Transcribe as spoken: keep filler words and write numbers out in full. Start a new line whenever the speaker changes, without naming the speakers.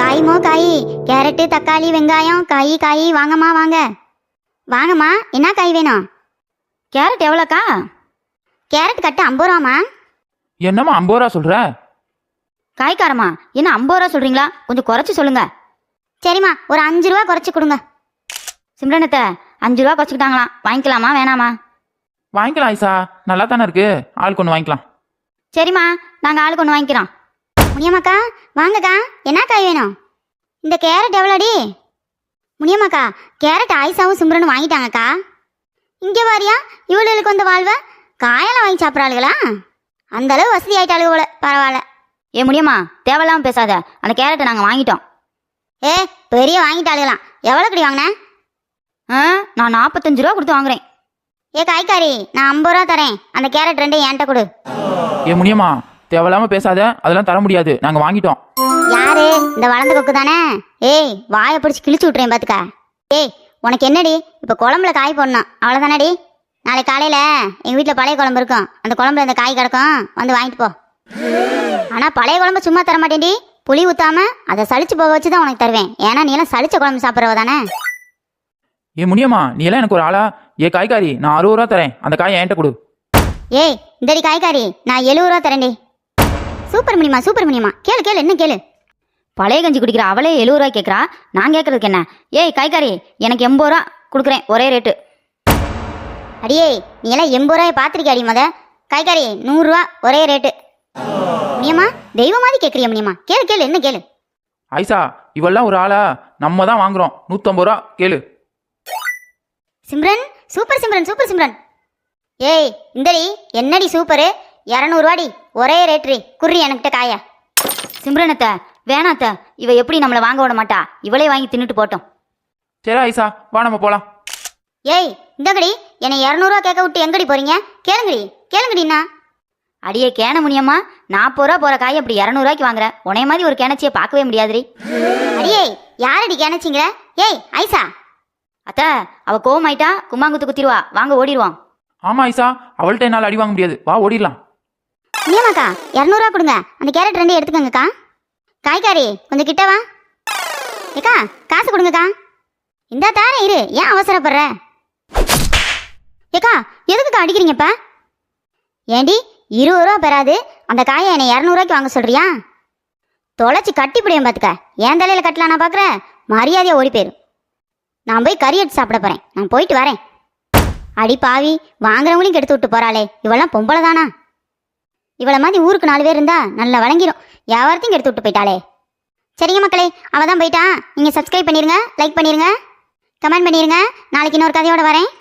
காய்மோ காய், கேரட்டு தக்காளி வெங்காயம் காய் காய். வாங்கம்மா வாங்க வாங்கம்மா. என்ன காய் வேணும்? கேரட் எவ்வளோக்கா? கேரட் கட்டு ஐம்பது ரூபாம்மா.
என்னம்மா ஐம்பது ரூபா சொல்ற?
காய்காரம்மா என்ன ஐம்பது ரூபா சொல்றீங்களா? கொஞ்சம் குறைச்சி சொல்லுங்க. சரிம்மா, ஒரு அஞ்சு ரூபா குறைச்சி கொடுங்க. சிம்ரனத்தை அஞ்சு ரூபா குறைச்சிக்கிட்டாங்களாம், வாங்கிக்கலாமா வேணாமா?
வாங்கிக்கலாம் ஐசா, நல்லா தானே இருக்கு, ஆளுக்கு ஒன்று வாங்கிக்கலாம்.
சரிம்மா, நாங்கள் ஆளுக்கு ஒன்று வாங்கிக்கிறோம். முனியம்மாக்கா வாங்கக்கா, என்ன காய் வேணும்? இந்த கேரட் எவ்வளோடி? முனியம்மாக்கா, கேரட் ஆயிஷாவும் சிம்ரனும் வாங்கிட்டாங்கக்கா. இங்கே வாரியா, இவளுக்கு வந்து வாழ்வ காயெல்லாம் வாங்கி சாப்பிட்றாளுகளா? அந்த அளவு வசதி ஆயிட்டாளுக போல. பரவாயில்ல. ஏ முடியுமா, தேவையில்லாமல் பேசாத. அந்த கேரட்டை நாங்கள் வாங்கிட்டோம். ஏ பெரிய வாங்கிட்டாளுகலாம். எவ்வளோ கடி வாங்கினேன்? ஆ நான் நாற்பத்தஞ்சு ரூபா கொடுத்து வாங்குறேன். ஏ காய்காரி, நான் ஐம்பது ரூபா தரேன். அந்த கேரட் ரெண்டு என்கிட்ட கொடு.
ஏ முடியுமா, தேவையில்லாமல் பேசாத, அதெல்லாம் தர முடியாது, நாங்கள் வாங்கிட்டோம்.
யாரு? இந்த வளர்ந்த கொக்கு தானே? ஏய் வாயை பிடிச்சி கிழிச்சு விட்றேன் பார்த்துக்க. ஏய் உனக்கு என்னடி, இப்போ குழம்புல காய் போடணும் அவ்வளோதானடி. நாளைக்கு காலையில் எங்கள் வீட்டில் பழைய குழம்பு இருக்கும், அந்த குழம்புல இந்த காய் கிடக்கும், வந்து வாங்கிட்டு போ. ஆனால் பழைய குழம்பு சும்மா தர மாட்டேன்டி, புளி ஊற்றாம அதை சளிச்சு போக வச்சு தான் உனக்கு தருவேன். ஏன்னா நீ எல்லாம் சளிச்ச குழம்பு சாப்பிட்றவ தானே.
ஏ முடியுமா, நீ எல்லாம் எனக்கு ஒரு ஆளா? ஏ காய்காரி, நான் அறுபது ரூபா தரேன், அந்த காயை என்கிட்ட கொடு.
ஏய் இந்தடி காய்காரி, நான் எழுபது ரூபா தரேன்டி. சூப்பர் முடியுமா, சூப்பர் முடியுமா. கேளு கேளு, என்ன கேளு. பழைய கஞ்சி குடிக்கிற அவளே எழுபது ரூபாய் கேட்குறா, நான் கேட்கறதுக்கு என்ன? ஏய் காய்காரி, எனக்கு எண்பது ரூபா கொடுக்குறேன், ஒரே ரேட்டு. அடியே நீ எல்லாம் எண்பது ரூபாய் பார்த்துருக்கே அடி மொத. காய்காரி நூறுரூவா ஒரே ரேட்டு. முனியம்மா தெய்வ மாதிரி கேட்குறியா முனியம்மா? கேளு கேளு, என்ன கேளு.
ஐசா, இவெல்லாம் ஒரு ஆளா? நம்ம தான் வாங்குறோம், நூற்றம்பது ரூபா கேளு.
Simran, super Simran, super Simran. ஏய் இந்தடி என்னடி சூப்பரு, இரநூறுவாடி ஒரே ரேட்ரி. குறி எனக்கிட்ட காய. சிம்ரனத்தை வேணாத்த, இவ எப்படி நம்மளை வாங்க விட மாட்டா, இவளே வாங்கி தின்னுட்டு போட்டோம்.
சரி ஐசா, வா நம்ம போகலாம்.
ஏய் இந்தங்கடி, என்னை இரநூறுவா கேட்க விட்டு எங்கடி போறீங்க? கேளுங்கடி கேளுங்கடிண்ணா. அடியே கேன முடியுமா, நாற்பது ரூபா போகிற காய் அப்படி இரநூறுவாய்க்கு வாங்குற? உனைய மாதிரி ஒரு கிணச்சியை பார்க்கவே முடியாதுடி. அடியே யாரடி கிணச்சிங்கிற? ஏய் ஐசா. அத்த அவ கோவமாயிட்டா கும்மாங்குத்து குத்திடுவா, வாங்க ஓடிடுவான்.
ஆமா ஐசா, அவள்கிட்ட என்னால் அடி வாங்க முடியாது, வா ஓடிடலாம்.
ஏமாக்கா இரநூறுவா கொடுங்க, அந்த கேரட் ரெண்டு எடுத்துக்கங்கக்கா. காய்காரி கொஞ்சம் கிட்ட வா. ஏக்கா காசு கொடுங்கக்கா. இந்த தார இரு, ஏன் அவசரப்படுற? ஏக்கா எதுக்குக்கா அடிக்கிறீங்கப்பா? ஏண்டி இருபது ரூபா பெறாது அந்த காயை என்னை இரநூறுவாய்க்கு வாங்க சொல்றியா? தொலைச்சி கட்டி பிடியும் பார்த்துக்க. ஏன் தலையில் கட்டலாம் நான் பார்க்குறேன், மரியாதையாக ஓடி போயிரு. நான் போய் கறி எடுத்து சாப்பிட போகிறேன், நான் போயிட்டு வரேன். அடி பாவி, வாங்குறவங்களையும் கெடுத்து விட்டு போகிறாளே, இவெல்லாம் பொம்பளை தானா? இவளை மாதிரி ஊருக்கு நாலு பேர் இருந்தா நல்லா வழங்கிடும், வியாபாரத்தையும் கெடுத்து விட்டு போயிட்டாளே. சரிங்க மக்களே, அவள் தான் போயிட்டா. நீங்கள் சப்ஸ்கிரைப் பண்ணிடுங்க, லைக் பண்ணிடுங்க, கமெண்ட் பண்ணிடுங்க. நாளைக்கு இன்னொரு கதையோடு வரேன்.